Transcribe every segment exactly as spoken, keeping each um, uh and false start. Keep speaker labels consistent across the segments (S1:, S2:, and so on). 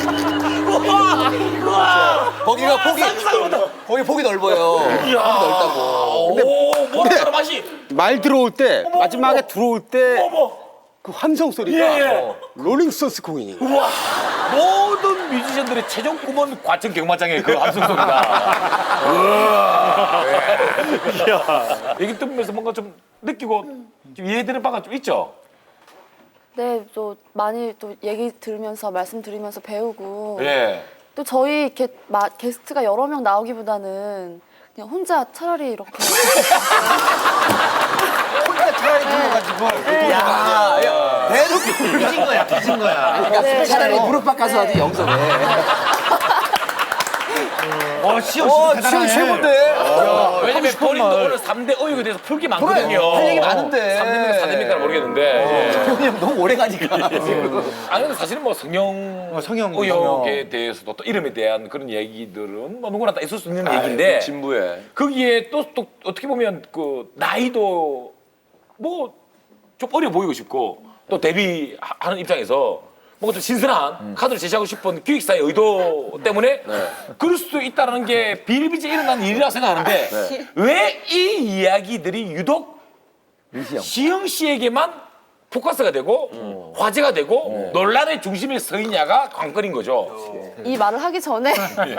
S1: 우와! 우와!
S2: 거기가 폭이 거기 폭이 넓어요. 폭이 넓다고.
S1: 근데 오, 뭐라 맛이.
S3: 말 들어올 때
S1: 어머,
S3: 마지막에
S1: 어머.
S3: 들어올 때
S1: 어머.
S3: 그 함성 소리가
S1: 예, 예.
S3: 어, 롤링스톤스 공이.
S1: 우와! 모든 뮤지션들의 최종 꿈은 과천 경마장의 그 함성 소리다. 우와! 네. 얘기 들으면서 뭔가 좀 느끼고 좀 이해되는 바가 좀 있죠?
S4: 네, 또 많이 또 얘기 들으면서 말씀 드리면서 배우고
S1: 예.
S4: 또 저희 이렇게 마, 게스트가 여러 명 나오기보다는 그냥 혼자 차라리 이렇게
S2: 차라리 불러가지고. 야, 야, 대놓고 빚은 거야, 빚은 거야. 그러니까
S4: 네,
S2: 차라리
S4: 네.
S2: 무릎 깎아서 하지 영섭에.
S1: 어, 시영
S2: 어, 지금 최고인데.
S1: 왜냐면 본인도 오늘 삼 대 의혹에 대해서 풀기 많거든요.
S2: 할 얘기 많은데.
S1: 삼 대입니까 사 대입니까 모르겠는데.
S2: 형이 형 너무 오래 가니까.
S1: 아니 근데 사실은 뭐 성형,
S5: 어, 성형
S1: 의혹에 대해서도 또 이름에 대한 그런 얘기들은 뭐 누구나 다 있을 수 있는 얘기인데
S5: 진부해.
S1: 거기에 또, 또 어떻게 보면 그 나이도 뭐 좀 어려 보이고 싶고 또 데뷔하는 입장에서 뭔가 좀 신선한 카드를 제시하고 싶은 기획사의 의도 때문에 그럴 수도 있다는 게 비일비재 일어난 일이라고 생각하는데 왜 이 이야기들이 유독 시영 씨에게만 포커스가 되고 화제가 되고 논란의 중심에 서 있냐가 관건인 거죠.
S4: 이 말을 하기 전에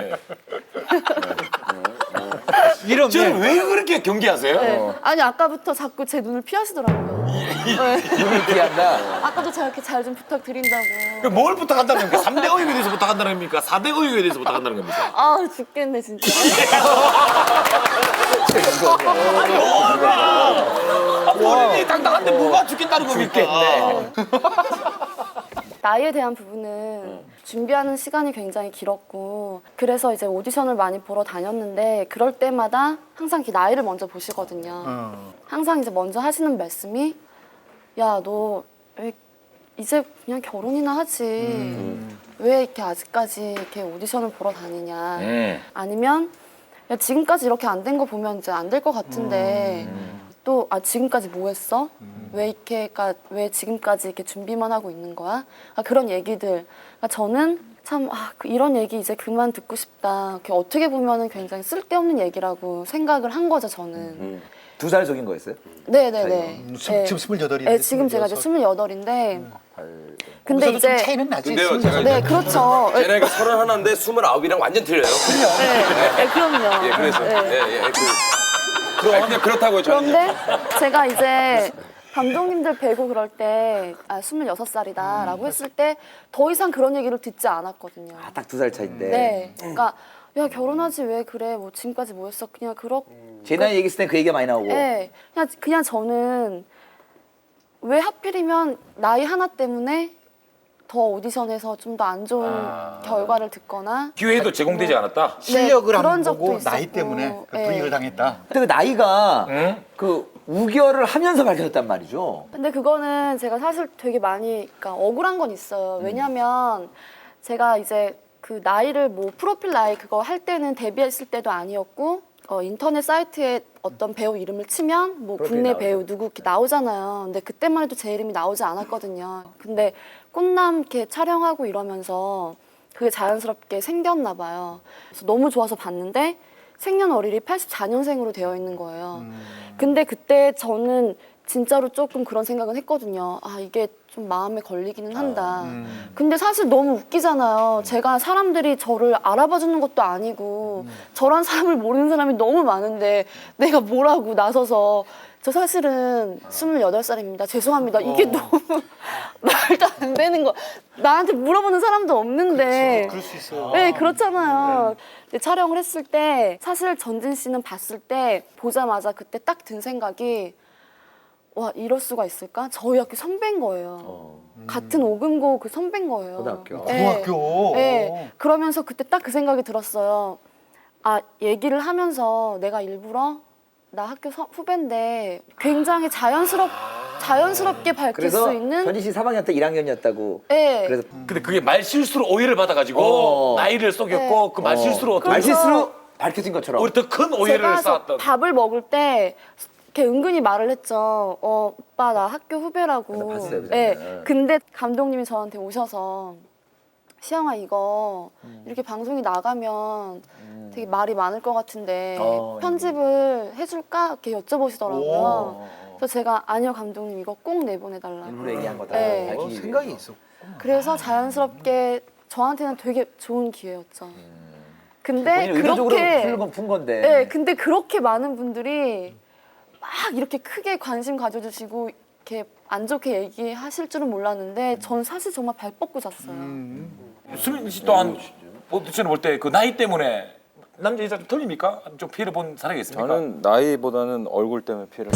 S5: 이런
S1: 저는 왜 그렇게 경계하세요?
S4: 네. 아니 아까부터 자꾸 제 눈을 피하시더라고요. 네.
S2: 눈을 피한다.
S4: 아까도 제가 이렇게 잘 좀 부탁드린다고.
S1: 뭘 부탁한다는 겁니까? 삼 대 의혹에 대해서 부탁한다는 겁니까? 사 대 의혹에 대해서 부탁한다는 겁니까?
S4: 아 죽겠네 진짜.
S1: 아, 본인이 당당한데 뭐가 죽겠다는 겁니까?
S4: 나이에 대한 부분은 준비하는 시간이 굉장히 길었고 그래서 이제 오디션을 많이 보러 다녔는데 그럴 때마다 항상 이렇게 나이를 먼저 보시거든요. 항상 이제 먼저 하시는 말씀이 야, 너 왜 이제 그냥 결혼이나 하지. 왜 이렇게 아직까지 이렇게 오디션을 보러 다니냐.
S1: 음.
S4: 아니면 야, 지금까지 이렇게 안 된 거 보면 이제 안 될 것 같은데 또 아 지금까지 뭐 했어? 왜 이렇게 그러니까 왜 지금까지 이렇게 준비만 하고 있는 거야? 아, 그런 얘기들. 그러니까 저는 참 아, 그 이런 얘기 이제 그만 듣고 싶다. 이렇게 어떻게 보면은 굉장히 쓸데없는 얘기라고 생각을 한 거죠 저는.
S2: 두 살 속인 거였어요?
S4: 네네네.
S5: 스- 지금 스물여덟인데.
S4: 네, 지금 제가 이제 스물여덟인데. 근데
S5: 근데
S4: 이제
S5: 차이는 나지.
S6: 근데요,
S5: 스물여덟.
S6: 제가
S4: 네 그렇죠.
S6: 제 나이가 서른하나인데 스물아홉이랑 완전 틀려요.
S4: 네, 네, 그럼요.
S6: 예, 그래서
S4: 네.
S6: 예, 예, 그, 그럼 그냥 그렇다고요, 저는.
S4: 그런데 제가 이제 감독님들 뵈고 그럴 때 아, 스물여섯 살이다라고 했을 때 더 이상 그런 얘기를 듣지 않았거든요.
S2: 아, 딱 두 살 차인데.
S4: 네. 그러니까 야 결혼하지 왜 그래 뭐 지금까지 뭐 했어 그냥 그렇
S2: 제 나이 얘기했을 때 그 얘기가 많이 나오고.
S4: 네. 그냥 그냥 저는 왜 하필이면 나이 하나 때문에 더 오디션에서 좀 더 안 좋은 결과를 듣거나
S1: 기회도 제공되지 않았다.
S5: 실력을
S4: 네,
S5: 안
S4: 그런 적도
S5: 보고 나이
S4: 있었고.
S5: 때문에 그
S4: 네.
S5: 불이익을 당했다.
S2: 근데 그 나이가
S1: 응?
S2: 그 우결을 하면서 밝혀졌단 말이죠.
S4: 근데 그거는 제가 사실 되게 많이 그러니까 억울한 건 있어요. 왜냐면 제가 이제 그 나이를 뭐 프로필 나이 그거 할 때는 데뷔했을 때도 아니었고 어, 인터넷 사이트에 어떤 배우 이름을 치면 뭐
S2: 프로필
S4: 국내
S2: 나오죠.
S4: 배우 누구 이렇게 나오잖아요. 근데 그때만 해도 제 이름이 나오지 않았거든요. 근데 꽃남 이렇게 촬영하고 이러면서 그게 자연스럽게 생겼나 봐요. 그래서 너무 좋아서 봤는데 생년월일이 팔십사 년생으로 되어 있는 거예요. 근데 그때 저는 진짜로 조금 그런 생각은 했거든요. 아 이게 좀 마음에 걸리기는 한다. 근데 사실 너무 웃기잖아요. 제가 사람들이 저를 알아봐 주는 것도 아니고 저란 사람을 모르는 사람이 너무 많은데 내가 뭐라고 나서서 저 사실은 스물여덟 살입니다. 죄송합니다. 이게 너무 말도 안 되는 거. 나한테 물어보는 사람도 없는데.
S5: 그럴 수 있어요.
S4: 네, 그렇잖아요. 근데 촬영을 했을 때 사실 전진 씨는 봤을 때 보자마자 그때 딱 든 생각이 와 이럴 수가 있을까? 저희 학교 선배인 거예요. 같은 오금고 그 선배인 거예요.
S2: 고등학교.
S4: 네.
S5: 고등학교.
S4: 네. 그러면서 그때 딱 그 생각이 들었어요. 아 얘기를 하면서 내가 일부러 나 학교 서, 후배인데 굉장히 자연스럽 자연스럽게 밝힐
S2: 그래서
S4: 수 있는.
S2: 현희 씨 삼 학년 때 일 학년이었다고.
S4: 네.
S2: 그래서
S1: 근데 그게 말 실수로 오해를 받아가지고
S2: 어.
S1: 나이를 속였고
S4: 네.
S1: 그 말 실수로 어떤
S2: 말
S4: 그래서-
S2: 실수로 밝혀진 것처럼.
S1: 우리 더 큰 오해를
S4: 제가 저
S1: 쌓았던.
S4: 밥을 먹을 때 이렇게 은근히 말을 했죠. 어, 오빠 나 학교 후배라고.
S2: 네, 봤어요, 그
S4: 네.
S2: 장면.
S4: 근데 감독님이 저한테 오셔서 시영아 이거 이렇게 방송이 나가면 되게 말이 많을 것 같은데
S2: 어,
S4: 편집을 해줄까? 이렇게 여쭤보시더라고요. 그래서 제가 아니요 감독님 이거 꼭 내보내달라고.
S2: 일부러 얘기한 거다.
S4: 네.
S2: 밝히기
S5: 어,
S2: 위해.
S5: 생각이 있어.
S4: 그래서 자연스럽게 저한테는 되게 좋은 기회였죠. 근데
S2: 본인이 의도적으로
S4: 그렇게
S2: 푼 건 푼 건데.
S4: 네, 근데 그렇게 많은 분들이 막 이렇게 크게 관심 가져주시고 이렇게 안 좋게 얘기하실 줄은 몰랐는데 전 사실 정말 발 뻗고 잤어요.
S1: 수민 씨 또한 오디션을 볼 때 그 나이 때문에 남자 여자 좀 틀립니까? 좀 피해를 본 사례가 있습니까?
S7: 저는 나이보다는 얼굴 때문에 피해를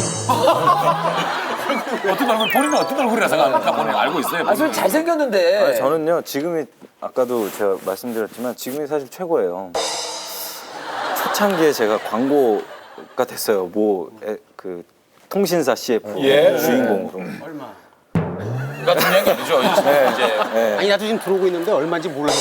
S1: 어떤 얼굴 본인은 어떤 얼굴이라 생각합니까? 본인 알고 있어요.
S2: 아, 저 잘생겼는데.
S7: 아니, 저는요 지금이 아까도 제가 말씀드렸지만 지금이 사실 최고예요. 초창기에 제가 광고가 됐어요. 뭐 그 통신사 씨에프
S1: 예.
S7: 주인공으로.
S1: 그러니까 중요한 게 아니죠. 이제
S7: 네.
S3: 아니 나도 지금 들어오고 있는데 얼마인지 몰라요.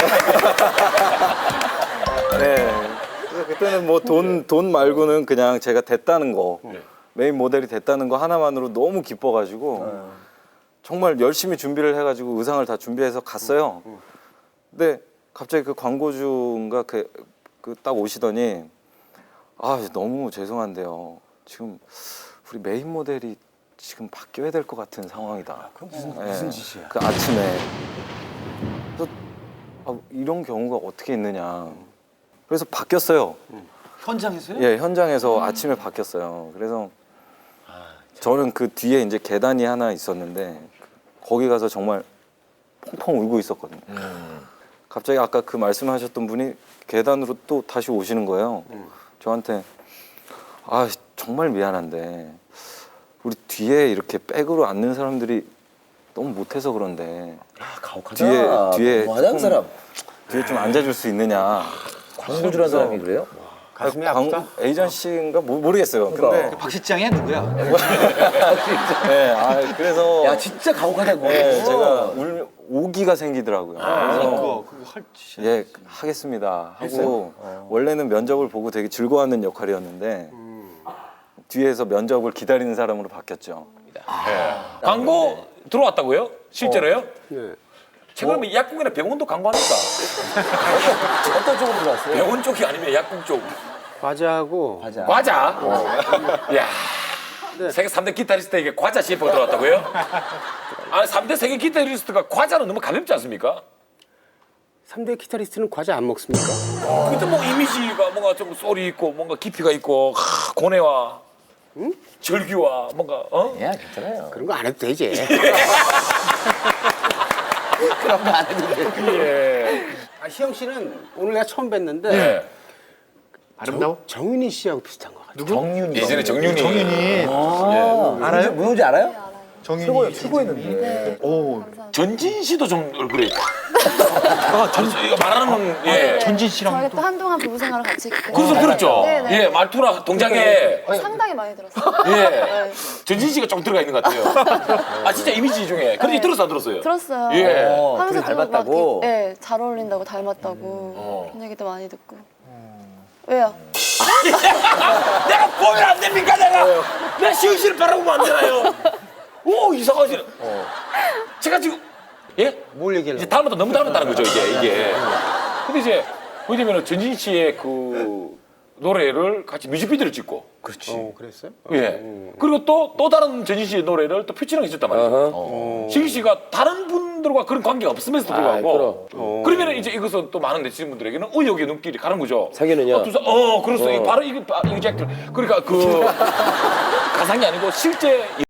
S7: 네. 그래서 그때는 뭐 돈 돈 말고는 그냥 제가 됐다는 거 메인 모델이 됐다는 거 하나만으로 너무 기뻐가지고 정말 열심히 준비를 해가지고 의상을 다 준비해서 갔어요. 근데 갑자기 그 광고주가 그 그 딱 오시더니 아 너무 죄송한데요. 지금 우리 메인 모델이 지금 바뀌어야 될 것 같은 상황이다. 그 무슨 무슨 짓이야? 그 아침에 그래서 아, 이런 경우가 어떻게 있느냐. 그래서 바뀌었어요.
S5: 현장에서요?
S7: 예, 현장에서 아침에 바뀌었어요. 그래서 저는 그 뒤에 이제 계단이 하나 있었는데 거기 가서 정말 펑펑 울고 있었거든요. 갑자기 아까 그 말씀하셨던 분이 계단으로 또 다시 오시는 거예요. 저한테 아 정말 미안한데 우리 뒤에 이렇게 백으로 앉는 사람들이 너무 못해서 그런데
S2: 아, 가혹하다.
S7: 뒤에 뒤에
S2: 너무하다, 그
S7: 조금
S2: 사람.
S7: 뒤에 좀 앉아줄 수 있느냐.
S2: 광고주란 사람이 그래요?
S3: 가슴이
S7: 광-
S3: 아프다.
S7: 에이전시인가 모- 모르겠어요. 근데
S5: 박 실장이야 누구야?
S7: 네, 아, 그래서
S2: 야, 진짜 가혹하다고.
S7: 네, 제가 울, 오기가 생기더라고요. 그래서
S5: 그거 그거 할 짓이야.
S7: 예 하겠습니다 하고 원래는 면접을 보고 되게 즐거워하는 역할이었는데 뒤에서 면접을 기다리는 사람으로 바뀌었죠.
S1: 광고 들어왔다고요? 실제로요?
S3: 네.
S1: 최근에 약국이나 병원도 광고합니까?
S2: 어떤 쪽으로 들어왔어요?
S1: 병원 쪽이 아니면 약국 쪽.
S3: 과자하고
S2: 과자.
S1: 과자. 야. 세계 삼 대 기타리스트에게 과자 씨에프가 들어왔다고요? 아니 삼 대 세계 기타리스트가 과자는 너무 가볍지 않습니까?
S3: 삼 대 기타리스트는 과자 안 먹습니까?
S1: 근데 뭐 이미지가 뭔가 좀 소리 있고 뭔가 깊이가 있고 하, 고뇌와 절규와 뭔가 어?
S2: 야, 괜찮아요.
S3: 그런 거 안 해도 되지.
S2: 그런 거 안 해도 돼.
S1: 예.
S3: 아, 희영 씨는 오늘 내가 처음 뵀는데
S1: 예.
S3: 아름다워? 정윤희 씨하고 비슷한 것 같아.
S2: 정윤이.
S1: 예전에 정윤이.
S5: 정윤이
S2: 아, 알아요? 누군지 알아요?
S5: 정윤이
S2: 최고였는데.
S5: 오
S1: 전진 씨도 좀 얼굴이 아, 전 이거 말하는 예.
S5: 전진 씨랑
S4: 저희가 또 한동안 부부 생활을 같이 했기
S1: 그래서
S4: 때문에
S1: 들었죠.
S4: 네, 네.
S1: 예, 말투나 동작에
S4: 상당히 많이 들었어요.
S1: 예.
S4: 네.
S1: 전진 씨가 좀 들어가 있는 것 같아요. 아 진짜 이미지 중에. 그런데
S4: 네.
S1: 들었어 안 들었어요?
S4: 들었어요.
S1: 예.
S2: 어,
S4: 하면서
S2: 둘이
S4: 또
S2: 닮았다고?
S4: 막 이렇게, 네, 잘 어울린다고 닮았다고
S1: 어.
S4: 그런 얘기도 많이 듣고. 왜요?
S1: 내가 보면 안 됩니까 내가? 내가 시은 씨를 바라보면 안 되나요? 오 이상하지. 제가 지금 예?
S3: 뭘
S1: 이제
S3: 얘기하려고?
S1: 닮았다 너무 닮았다는 거죠 이게 이게. 근데 이제 왜냐면 전진 씨의 그 노래를 같이 뮤직비디오를 찍고.
S2: 그렇지.
S3: 어, 그랬어요?
S1: 예. 그리고 또 또 다른 전진 씨의 노래를 또 피처링 해줬단 말이에요.
S2: 어허.
S1: 시은 씨가 다른 분들과 그런 관계가 없음에도 불구하고. 그러면 이제 이것은 또 많은 네티즌 분들에게는 의혹의 눈길이 가는 거죠.
S6: 상현은요?
S1: 어, 두사, 어, 그렇소. 이게 바로 이게 바- 이게 잭 그러니까 그 가상이 아니고 실제.